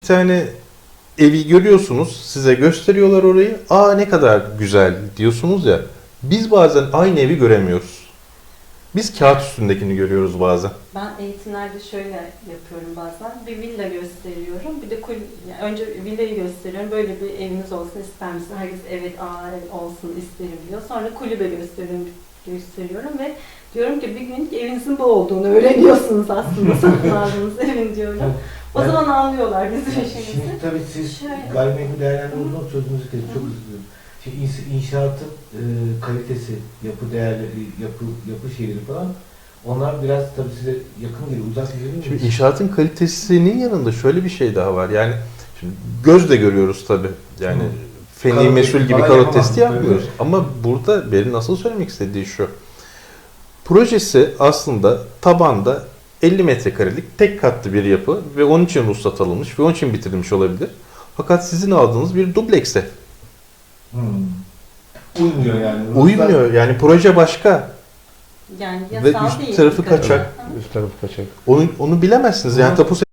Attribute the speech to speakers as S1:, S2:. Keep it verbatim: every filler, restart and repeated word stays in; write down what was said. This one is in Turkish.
S1: Bir tane evi görüyorsunuz, size gösteriyorlar orayı. Aa ne kadar güzel diyorsunuz ya. Biz bazen aynı evi göremiyoruz. Biz kağıt üstündekini görüyoruz bazen.
S2: Ben eğitimlerde şöyle yapıyorum bazen. Bir villa gösteriyorum. Bir de kul yani önce villayı gösteriyorum. Böyle bir eviniz olsun ister misiniz? Herkes evet, aa evet olsun isterim diyor. Sonra kulübe gösteriyorum, gösteriyorum ve diyorum ki bir gün evinizin bu olduğunu öğreniyorsunuz aslında satın aldığınız evin diyorum. O
S3: Yani-
S2: zaman anlıyorlar bizim
S3: Yani
S2: işimizi.
S3: Şimdi tabii siz
S2: Şöyle.
S3: gayrimenkul değerlendirme uzman sözünüzü kestim. Çok özür dilerim. Şimdi ins- inşaatın e, kalitesi, yapı değerleri, yapı yapı şeyleri falan onlar biraz tabii size yakın geliyor, uzak geliyor.
S1: Şimdi inşaatın kalitesinin yanında şöyle bir şey daha var. Yani şimdi gözle görüyoruz tabii. Yani
S3: Hı.
S1: feni
S3: Kalite
S1: mesul gibi
S3: falan
S1: kalite
S3: yapamam.
S1: testi yapmıyoruz.
S3: Evet.
S1: Ama burada benim asıl söylemek istediği şu. Projesi aslında tabanda elli metrekarelik tek katlı bir yapı ve onun için ruhsat alınmış ve onun için bitirilmiş olabilir. Fakat sizin aldığınız bir dublekse.
S3: Hmm. Uymuyor yani.
S1: Uymuyor. Yani proje başka.
S2: Yani
S1: Ve
S2: yasal
S1: üst
S2: değil.
S1: tarafı
S2: dikkat
S1: kaçak.
S2: edin.
S4: Üst tarafı kaçak.
S1: Onu, onu bilemezsiniz. Yani tapu